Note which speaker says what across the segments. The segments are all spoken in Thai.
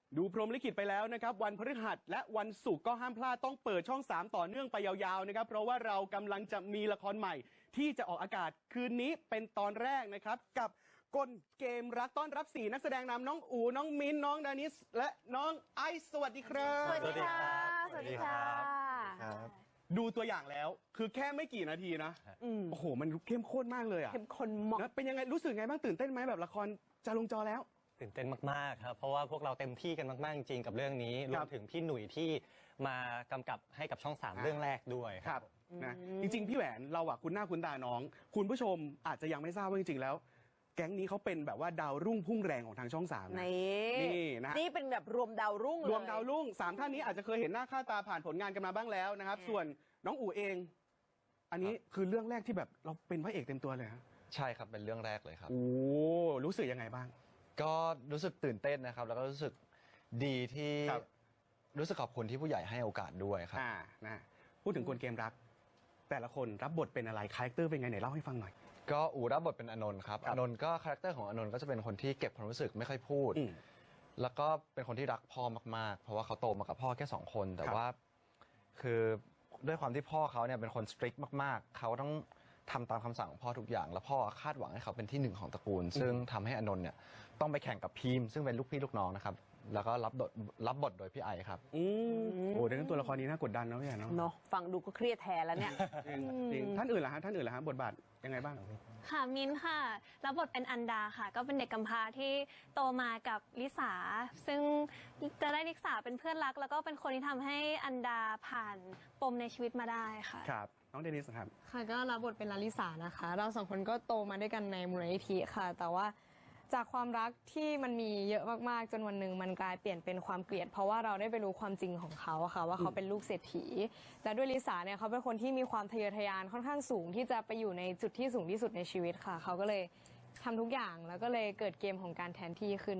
Speaker 1: ดูพรหมลิขิตไปแล้วนะครับวันพฤหัสและวันศุกร์ก็ห้ามพลาดต้องเปิดช่อง3ต่อเนื่องไปยาวๆนะครับเพราะว่าเรากำลังจะมีละครใหม่ที่จะออกอากาศคืนนี้เป็นตอนแรกนะครับกับกลเกมรักต้อนรับ4นักแสดงนำน้องอู๋น้องมิ้นน้องดานิสและน้องไอซ์สวัสดีครับ
Speaker 2: สวัสดีค่ะสวัสดีค่ะ
Speaker 1: ดูตัวอย่างแล้วคือแค่ไม่กี่นาทีนะโอ้โหมันเข้มข้นมากเลยอ่ะ
Speaker 2: เข้มข้นมาก
Speaker 1: เป็นยังไงรู้สึกไงบ้างตื่นเต้นไหมแบบละครจะลงจอแล้ว
Speaker 3: ตื่นเต้นมากๆครับเพราะว่าพวกเราเต็มที่กันมากๆจริงกับเรื่องนี้รวมถึงพี่หนุ่ยที่มากำกับให้กับช่อง3เรื่องแรกด้วย
Speaker 1: ครับนะจริงๆพี่แหวนเราอะคุณหน้าคุณตาน้องคุณผู้ชมอาจจะยังไม่ทราบว่าจริงๆแล้วแก๊งนี้เขาเป็นแบบว่าดาวรุ่งพุ่งแรงของทางช่อง3นี่นะ
Speaker 2: นี่เป็นแบบรวมดาวรุ่ง
Speaker 1: รวมดาวรุ่ง3ท่านนี้อาจจะเคยเห็นหน้าค่าตาผ่านผลงานกันมาบ้างแล้วนะครับส่วนน้องอู๋เองอันนี้คือเรื่องแรกที่แบบเราเป็นพระเอกเต็มตัวเลยครับ
Speaker 4: ใช่ครับเป็นเรื่องแรกเลยครับ
Speaker 1: โอ้รู้สึกยังไงบ้าง
Speaker 4: ก็รู้สึกตื่นเต้นนะครับแล้วก็รู้สึกดีที่รู้สึกขอบคุณที่ผู้ใหญ่ให้โอกาสด้วยครับ
Speaker 1: นะพูดถึงกลเกมรักแต่ละคนรับบทเป็นอะไรคาแรคเตอร์เป็นไงไหนเล่าให้ฟังหน่อย
Speaker 4: ก็อู๋รับบทเป็นอนนท์ครับอนนท์ก็คาแรคเตอร์ของอนนท์ก็จะเป็นคนที่เก็บความรู้สึกไม่ค่อยพูดแล้วก็เป็นคนที่รักพ่อมากๆเพราะว่าเขาโตมากับพ่อแค่2คนแต่ว่าคือด้วยความที่พ่อเขาเนี่ยเป็นคนสตริกมากๆเขาต้องทำตามคำสั่งของพ่อทุกอย่างแล้วพ่อคาดหวังให้เขาเป็นที่1ของตระกูลซึ่งทำให้อนนท์เนี่ยต้องไปแข่งกับพีมซึ่งเป็นลูกพี่ลูกน้องนะครับแล้วก็รับบทโดยพี่ไอครับ
Speaker 1: โอ้ดังนั้นตัวละครนี้น่ากดดันนะพี่เนาะ
Speaker 2: ฟังดูก็เครียดแทนแล้วเนี่ย
Speaker 1: จริงท่านอื่นล่ะฮะบทบาทยังไงบ้าง
Speaker 5: ค่ะมิ้นค่ะรับบทเป็นอันดาค่ะก็เป็นเด็กกำพร้าที่โตมากับลิสาซึ่งจะได้ลิสาเป็นเพื่อนรักแล้วก็เป็นคนที่ทำให้อันดาผ่านปมในชีวิตมาได้ค่ะ
Speaker 1: ครับน้องเดนิสครับ
Speaker 6: ค่ะก็รับบทเป็นลาลิสานะคะเรา2คนก็โตมาด้วยกันในมูลนิธิค่ะแต่ว่าจากความรักที่มันมีเยอะมากๆจนวันหนึ่งมันกลายเปลี่ยนเป็นความเกลียดเพราะว่าเราได้ไปรู้ความจริงของเขาค่ะว่าเขาเป็นลูกเศรษฐีและด้วยลิสาเนี่ยเขาเป็นคนที่มีความทะเยอทะยานค่อนข้างสูงที่จะไปอยู่ในจุดที่สูงที่สุดในชีวิตค่ะเขาก็เลยทำทุกอย่างแล้วก็เลยเกิดเกมของการแทนที่ขึ้น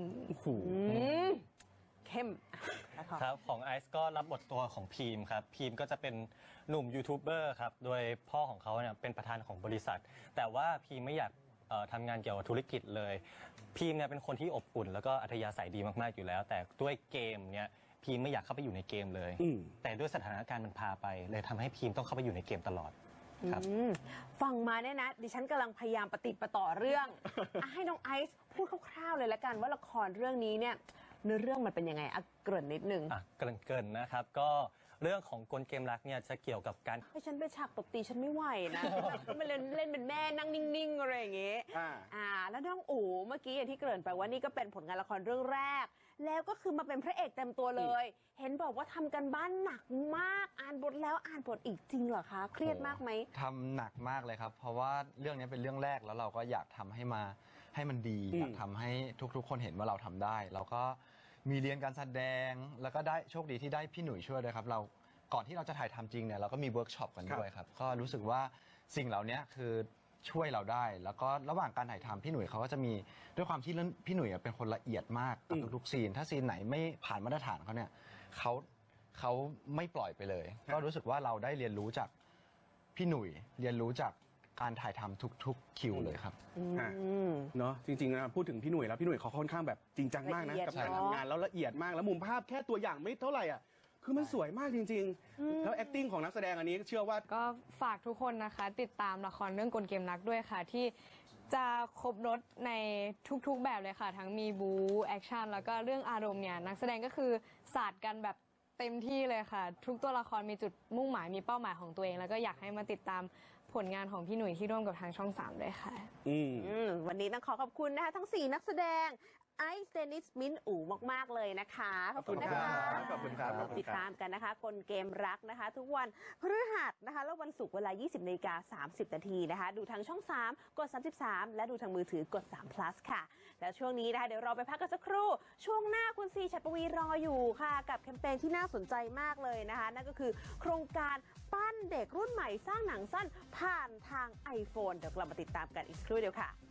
Speaker 2: เข้ม
Speaker 3: ครับของไอซ์ก็รับบทตัวของพีมครับพีมก็จะเป็นหนุ่มยูทูบเบอร์ครับโดยพ่อของเขาเนี่ยเป็นประธานของบริษัทแต่ว่าพีมไม่อยากทำงานเกี่ยวกับธุรกิจเลยพีมเนี่ยเป็นคนที่อบอุ่นแล้วก็อัธยาศัยดีมากๆอยู่แล้วแต่ด้วยเกมเนี่ยพีมไม่อยากเข้าไปอยู่ในเกมเลยแต่ด้วยสถานการณ์มันพาไปเลยทำให้พีมต้องเข้าไปอยู่ในเกมตลอดครับ
Speaker 2: ฟังมาเนี่ยนะดิฉันกำลังพยายามปฏิปต่อเรื่องให้น้องไอซ์พูดคร่าวๆเลยละกันว่าละครเรื่องนี้เนี่ยเนื้อเรื่องมันเป็นยังไงเกริ่นนิดนึง
Speaker 3: เกริ่นนะครับก็เรื่องของกลเกมรักเนี่ยจะเกี่ยวกับการ
Speaker 2: ให้ฉันไปฉากตบตีฉันไม่ไหวนะมันเล่นเป็นแม่นั่งนิ่งๆอะไรอย่างเงี้ยแล้วน้องอู๋เมื่อกี้อย่างที่เกริ่นไปว่านี่ก็เป็นผลงานละครเรื่องแรกแล้วก็คือมาเป็นพระเอกเต็มตัวเลยเห็นบอกว่าทำกันบ้านหนักมากอ่านบทแล้วอ่านบทอีกจริงเหรอคะเครียดมากไหม
Speaker 4: ทำหนักมากเลยครับเพราะว่าเรื่องนี้เป็นเรื่องแรกแล้วเราก็อยากทำให้มันดีอยากทำให้ทุกๆคนเห็นว่าเราทำได้เราก็มีเรียนการแสดงแล้วก็ได้โชคดีที่ได้พี่หนุ่ยช่วยด้วยครับเราก่อนที่เราจะถ่ายทำจริงเนี่ยเราก็มีเวิร์กช็อปกันด้วยครับก็รู้สึกว่าสิ่งเหล่านี้คือช่วยเราได้แล้วก็ระหว่างการถ่ายทำพี่หนุ่ยเขาก็จะมีด้วยความที่พี่หนุ่ยเป็นคนละเอียดมากกับทุกๆซีนถ้าซีนไหนไม่ผ่านมาตรฐานเขาเนี่ยเขาไม่ปล่อยไปเลยก็รู้สึกว่าเราได้เรียนรู้จากพี่หนุ่ยเรียนรู้จากการถ่ายทำทุกคิวเลยครับ
Speaker 1: เนาะจริงๆนะพูดถึงพี่หนุ่ยแล้วพี่หนุ่ยเขาค่อนข้างแบบจริงจังมากนะกับการทำงานแล้วละเอียดมากแล้วมุมภาพแค่ตัวอย่างไม่เท่าไหร่อ่ะคือมันสวยมากจริงๆแล้ว acting ของนักแสดงอันนี้เชื่อว่า
Speaker 6: ก็ฝากทุกคนนะคะติดตามละครเรื่องกลเกมรักด้วยค่ะที่จะครบรถในทุกๆแบบเลยค่ะทั้งมีบู๊แอคชั่นแล้วก็เรื่องอารมณ์เนี่ยนักแสดงก็คือศาสตร์กันแบบเต็มที่เลยค่ะทุกตัวละครมีจุดมุ่งหมายมีเป้าหมายของตัวเองแล้วก็อยากให้มาติดตามผลงานของพี่หนุ่ยที่ร่วมกับทางช่อง3ด้วยค่ะ
Speaker 2: วันนี้ต้องขอบคุณนะคะทั้ง4นักแสดงไอซ์เดนิสมิ้นอู๋มากๆเลยนะคะขอบคุณนะคะ
Speaker 1: ขอบคุณครับ
Speaker 2: ติดตามกันนะคะกลเกมรักนะคะทุกวันพฤหัสนะคะแล้ววันศุกร์เวลา 20:30 นาทีนะคะดูทางช่อง3กด33และดูทางมือถือกด3 plus ค่ะแล้วช่วงนี้นะคะเดี๋ยวเราไปพักกันสักครู่ช่วงหน้าคุณซีฉัตรปวีรออยู่ค่ะกับแคมเปญที่น่าสนใจมากเลยนะคะนั่นก็คือโครงการปั้นเด็กรุ่นใหม่สร้างหนังสั้นผ่านทาง iPhone เดี๋ยวเรามาติดตามกันอีกครู่เดียวค่ะ